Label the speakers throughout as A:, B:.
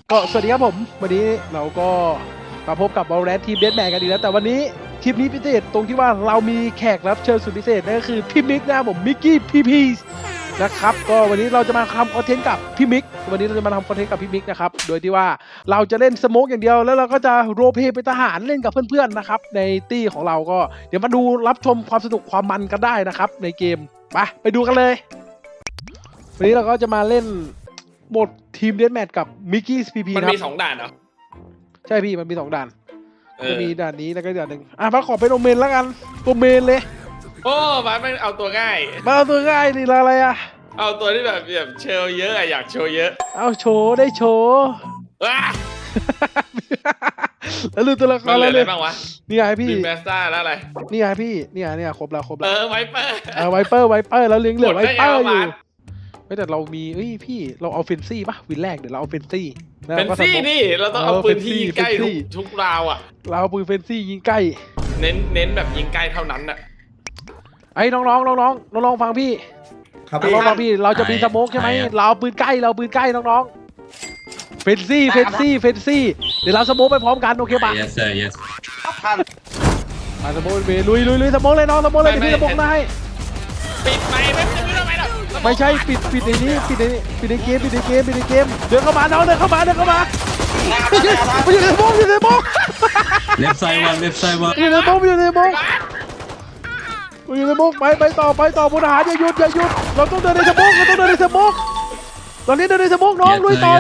A: ก็สวัสดีครับผมวันนี้เราก็มาพบกับ Valorant ทีมเดธแมนกันอีกแล้วแต่วันนี้คลิปนี้พิเศษตรงที่ว่าเรามีแขกรับเชิญสุดพิเศษนั่นก็คือพี่มิกนะครับผมมิกกี้พีพีนะครับก็วันนี้เราจะมาทำคอนเทนต์กับพี่มิกวันนี้เราจะมาทำคอนเทนต์กับพี่มิกนะครับโดยที่ว่าเราจะเล่นสโมกอย่างเดียวแล้วเราก็จะโรลเพลย์เป็นทหารเล่นกับเพื่อนๆนะครับในตี้ของเราก็เดี๋ยวมาดูรับชมความสนุกความมันกันได้นะครับในเกมไปดูกันเลยวันนี้เราก็จะมาเล่นโหมดทีมเดธแมทกับมิกกี้พีพี
B: มันมี2 ด่านเหรอ
A: ใช่พี่มันมี2 ด่านจะมีด่านนี้แล้วก็ด่านหนึ่งมาขอเป็นโอเมนแล้วกันตัวเมนเลย
B: โอ้มาไม่เอาตัวง่าย
A: มาเอาตัวง่ายนี่อะไรอะ
B: เอาตัวที่แบบโชว์เยอะอะอยากโชว์เยอะ
A: เอาโชว์ได้โชว์
B: ว้า
A: แล้วลืมตัวละครอะไรเลย
B: บ้างวะ
A: นี่ไงพี่
B: แมสซ่าแล้วอะไร
A: นี่ไงพี่เนี่ยครบแล้ว
B: ไวเปอร์
A: ไวเปอร์แล้วเลี้ยงเหลือไวเปอร์อยู่ไม่แต่เรามีพี่เราเอาเฟนซี่ปะวินแรกเดี๋ยวเราเอาเฟนซี่
B: นี่เราต้องเอาปืนที่ยิงใกล้ทุกราวอ่ะ
A: เราเอาปืนเฟนซี่ยิงใกล้
B: เน้นแบบยิงใกล้เท่านั้นอ่ะ
A: ไอ้น้องฟังพี่น้องฟังพี่เราจะมีสโมกใช่ไหมเราปืนใกล้น้องเฟนซี่เดี๋ยวเราสโมกไปพร้อมกันโอเคปะ
C: yes sir yes
A: มาสโมกเลยลุยสโมกเลยน้องสโมกเลยพี่สโมกได้
B: ปิดไม่ทำไมหรอก
A: ไม่ใช่ปิดในนี้ปิดในเกมเดินเข้ามาน้องเดินเข้ามาอยู่ในสโมก
C: left side one
A: อยู่ในสโมกไปต่อบนอาหารอย่าหยุดเราต้องเดินในสโมกตอนนี้เดินในสโมกน้องลุยต่อ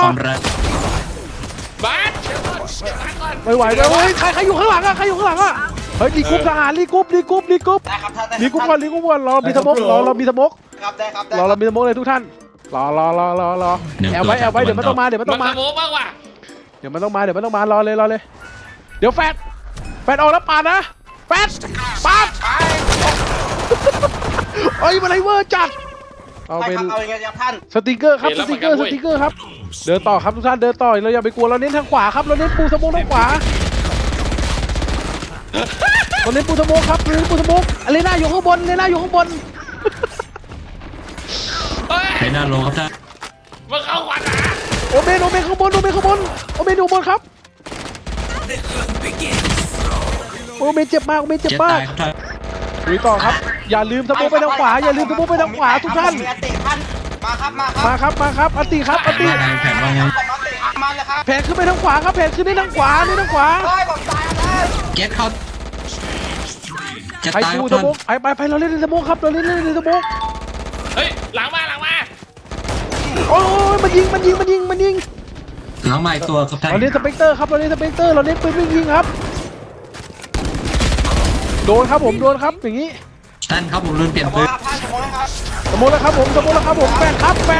A: ไม่ไหวแล้วใครอยู่ข้างหลังอะเฮ้ยรีกรุ๊ปทหารรีกรุ๊ปก่อนเรามีสโมกเรามีสโมกเลยทุกท่านรอแอบไว้เดี๋ยวมันต้องมา
B: สโมกบ้างว่ะ
A: เดี๋ยวมันต้องมารอเลยเดี๋ยวแฟดออกแล้วปาดนะแฟดปาดเอ้ยมันไรเวอร์จัดเอาเป็นสติกเกอร์ครับเดินต่อครับทุกท่านเดินต่อเราอย่าไปกลัวเราเน้นทางขวาครับเราเน้นปูสโมกทางขวาเราเน้นปูสโมกครับอะไรน่าอยู่ข้างบน
C: ไปหน้าโลครับท่าน
B: มาเข้าขวาหนา
A: โอเมนข้างบนครับโอเมนเจ็บมากลุยต่อครับอย่าลืมสโมกไปทางขวาทุกท่านมาครับอันตีแผนขึ้นไปทางขวาครับนี่ทางขวา
C: เก็ตเขาจะตายครับ
A: สโมกไปเราเล่นในสโมกครับเ
B: ฮ้ยหลังมา
A: โอ้ยมันยิง
C: หลังใหม่ตัวครับท่าน
A: เราเล่นสเปกเตอร์เราเน้นปืนวิ่งยิงครับโดนครับอย่างนี้
C: ท่านครับผมลืมเปลี่ยนปืน
A: สโมกแล้วครับผมแปด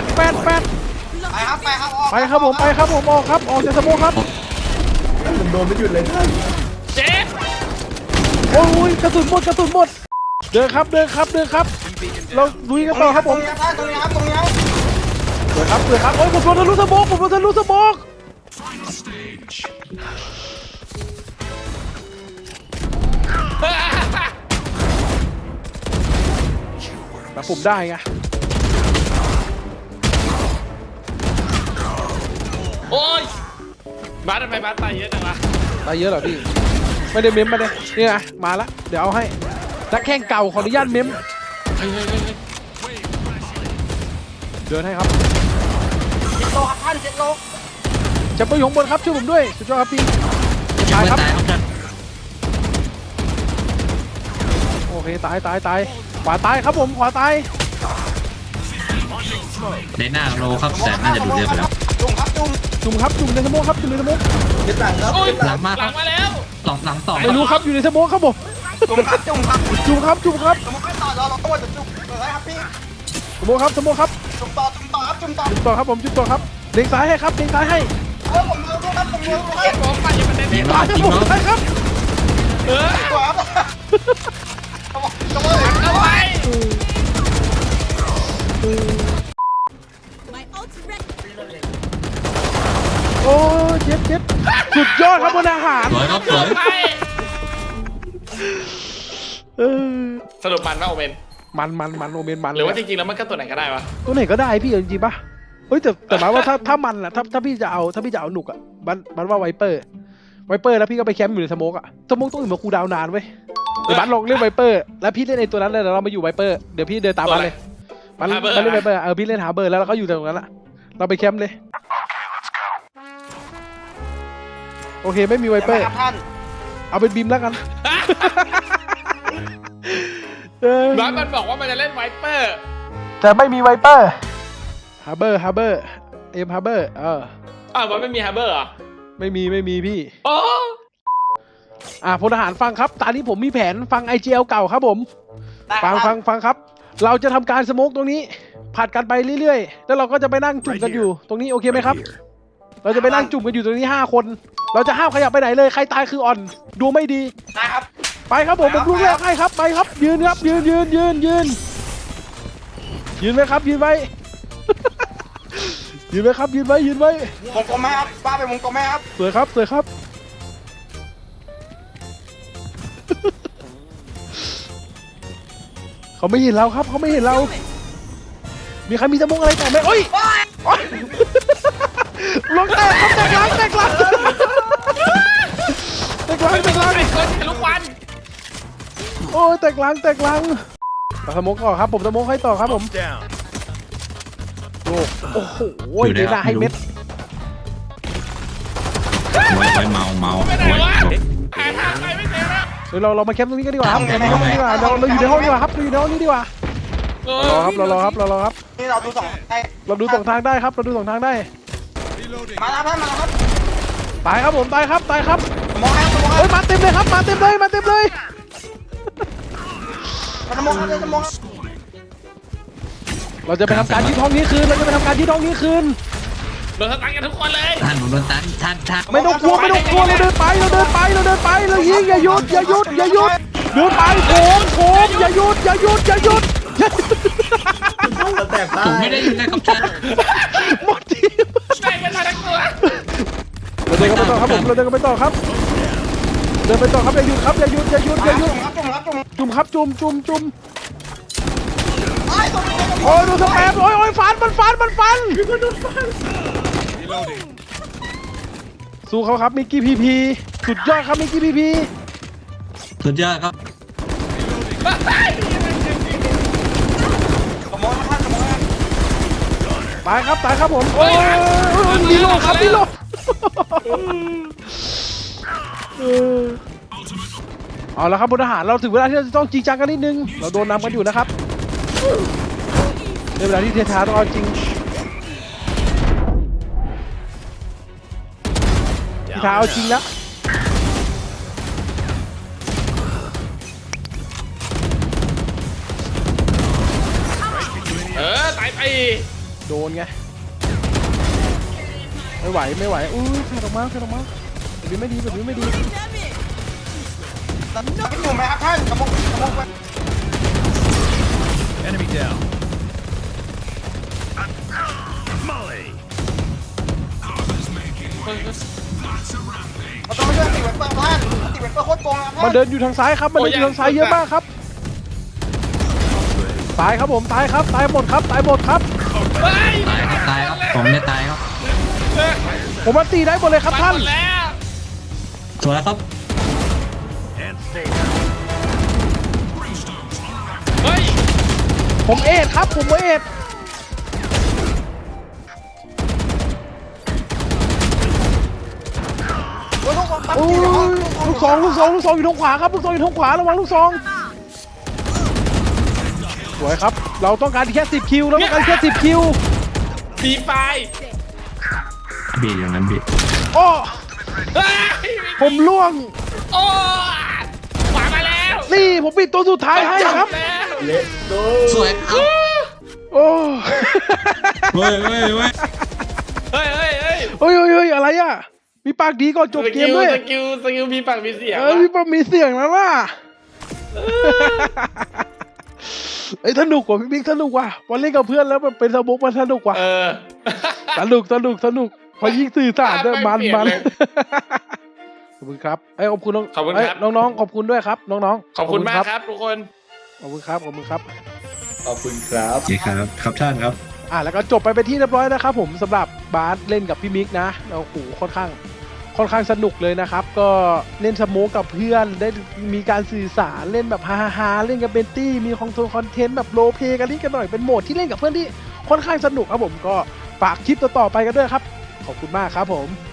A: ไปครับผมออกจากสโมกครับ
D: ผมโดนไม่หยุดเลย
B: เจ็บ
A: โอ้ยกระสุนหมดเดินครับเราลุยกันต่อครับผม
D: ตรงนี้ครับ
A: เดินครับโอ้ยผมโดนทะลุสโมกแบบผมได้ไง
B: โอ้ยทำไมตายเยอะจังวะ
A: ตายเยอะเหรอพี่ไม่ได้เมมมาเลยนี่ไงมาละเดี๋ยวเอาให้นักแข่งเก่าขออนุญาตเมมเดินให้ครับ
D: 7 โลครับท่าน7 โล
A: จะไปอยู่ข้างบนครับช่วยผมด้วยสุดยอดครับพี่
C: ตายครับ
A: โอเคตายขวาตายครับผมขวาตาย
C: ในหน้าโลครับแต่น่าจะดูเดือดไปแล้ว
A: จุ่มในสโมก
D: เจ็บหลังครับ
C: หลังมา
B: แล้ว
C: หลังต่อ
A: ไม่รู้ครับอยู่ในสโมกครับผม
D: จุ่มครับ
A: สโมกครับ
D: สโมกไม่ต่อเราต้องจะจุ่มเลยครับพี่
A: สโมกครับจุ่มต่อครับผมจุ่มต่อครับเล็งซ้ายให้ครับผม
B: ไปอย่ามันเน้นที่
A: ตายครับผมซ้ายครับ
D: ขวา
B: เข้าไป
A: โอ้เจ็บสุดยอดครับบนอาหาร
C: สวย
B: สรุปมันว่าโอเมน
A: มันโอเมนมัน
B: หรือว่าจริงๆแล้วมันก็ตัวไหนก็ได้วะ
A: ตัวไหนก็ได้พี่จริงๆปะเฮ้ยแต่หมายว่าถ้ามันอะถ้าพี่จะเอาหนุกอะมันว่าไวเปอร์แล้วพี่ก็ไปแคมป์อยู่ในสโมกอะสโมกต้องอยู่มาคูลดาวน์นานเว้ยเดี๋ยวบัสลองเล่นไวเปอร์แล้วพี่เล่นไอ้ตัวนั้นเลยเดี๋ยวเรามาอยู่ไวเปอร์เดี๋ยวพี่เดินตามบัสเลยบัสเล่นไวเปอร์พี่เล่นหาเบอร์แล้วเราก็อยู่ตรงนั้นละเราไปแคมป์เลยโอเคไม่มีไวเปอร์
D: ท่าน
A: เอาเป็นบีมแล้วกัน
B: บ้านมันบอกว่ามันจะเล่นไวเปอร์
A: แต่ไม่มีไวเปอร์ฮาร์เบอร์เอ็มฮาร์เบอร์
B: มันไม่มีฮาร์เบอร์เหรอ
A: ไม่มีพี่
B: โอ้
A: พลทหารฟังครับตอนนี้ผมมีแผนฟัง IGL เก่าครับผมฟังครับเราจะทำการสโมกตรงนี้ผัดกันไปเรื่อยๆแล้วเราก็จะไปนั่งจุ่มกันอยู่ตรงนี้โอเคไหมครับ เราจะไปนั่งจุ่มกันอยู่ตรงนี้5 คนเราจะห้ามขยับไปไหนเลยใครตายคืออ่อนดูไม่ดี
D: นะครับ
A: ไปครับผมลูกแรกให้ครับไปครับยืนครับยืนไว้ครับยืนไว้ ยืนไว้ครับยืนไว้
D: วงกลมไหมครับป้าไปวงกลมไหมครับ
A: สวยครับ เขาไม่เห็นเราครับเขาไม่เห็นเรามีใครมีสมองอะไรต่อไหมโอ้ยลงแตกครับแตกหลัง
B: ไม่เป็นลูกวัน
A: โอ้ยแตกหลังสโมกต่อครับผมสโมกให้ต่อครับผมโอ้โหเดี๋ยวให้เม็ด
C: ไว้เมา
B: ไม่ได้
C: ไว้
B: วะหายทางไปไม่เจอแล้ว
A: เดี๋ยวเรามาแคมป์ตรงนี้กันดีกว่าครับเราอยู่ในห้องดีกว่าครับเราอยู่ในห้องนี้ดีกว่า รอครับ
D: นี่เราดูสองไอ้
A: เราดูสองทางได้ครับเราดูสองทางได้
D: มาแล้วครับ
A: ตายครับผมตายครับ
D: มองครับ
A: เฮ้ยมาเต็มเลยครับมาเต็มเลย
D: มองครับ
A: เราจะไปทำการยึดห้องนี้คืน
B: โดนสตันกันทุกคนเลย
C: ท่านผมโดนตันท่าน
A: ไม่ต้องกลัวเราเดินไปเรายิงอย่าหยุดเดินไปโค้งอย่าหยุด
C: ผมไม่ได้ยินเลยครับท่าน
A: หมดทีม
B: ได้กันมาทั้งตัว
A: เราเดินกันไปต่อครับผมเดินไปต่อครับอย่าหยุดครับจุ่มครับจุ่มโอ้ยดูสแปมโอ้ยฟันสู้เขาครับมิกกี้พีสุดยอดครับมิกกี้พี
C: สุดยอดครับ
A: ตายครับผมโอ้ยดีโลครับเอาละครับพลทหารเราถึงเวลาที่เราจะต้องจริงจังกันนิดนึงเราโดนนำกันอยู่นะครับในเวลาที่เทท้าต้องเอาจริงพี่ท้าเอาจริงแล้ว
B: ตายไป
A: โดนไงไม่ไหวอุ้ยแฟดออกมาแบบนี้ไม่ดี
D: อยู่ไหมครับท่านกระบอกไป
E: Enemy down. Molly.
D: เราต้องไม่เชื่อติเวเปอร์ท่านติเวเปอร์โคตรโกงนะ
A: มันเดินอยู่ทางซ้ายครับมันเดินอยู่ทางซ้ายเยอะมากครับตายครับผมตายหมดครับ
C: ตายครับผมไม่ตายครับ
A: ผมมันตีได้หมดเลยครับท่าน
B: แล้ว
C: สวยครับ
E: And stay.
B: เฮ้ย
A: ผมเอ็ดครับผมเอ็ดโอ้ยลูกซองอยู่ทางขวาครับลูกซองอยู่ทางขวาระวังลูกซองสวยครับเราต้องการแค่10 คิว
B: ปีไฟ
C: บีอย่างนั้นบี
A: โอ้
B: เฮ้ย
A: ผมล่วง
B: โอ้ขวามาแล้ว
A: นี่ผมปิดตัวสุดท้ายให้ครับ
C: สวยครับ
A: โอ้
C: เฮ้ย
B: เ
A: ยอะไรอ่ะมีปากดีก่อนจบเกมด้วย
B: สกิลมีปากมีเสียง
A: มีปากมีเสียงแล้วล่ะไอ้สนุกกว่าพี่บิ๊กสนุกว่ะวันเล่นกับเพื่อนแล้วมันเป็นสมุกมันสนุกว่ะสนุกพอยิ่งสื่อสารด้วยมันขอบคุณครับขอบคุณน้องๆขอบคุณด้วยครับน้องๆ
B: ขอบคุณมากครับทุกคน
A: ขอบคุณครับ
C: โอเคครับท่านครับ
A: แล้วก็จบไปเป็นที่เรียบร้อยนะครับผมสำหรับบาสเล่นกับพี่มิกนะโอ้โหค่อนข้างสนุกเลยนะครับก็เล่นสโมกกับเพื่อนได้มีการสื่อสารเล่นแบบฮาเล่นกับเบนตี้มีคอนเทนต์แบบโรลเพลย์กันนิดกันหน่อยเป็นโหมดที่เล่นกับเพื่อนที่ค่อนข้างสนุกครับผมก็ฝากคลิปต่อๆไปกันด้วยครับขอบคุณมากครับผม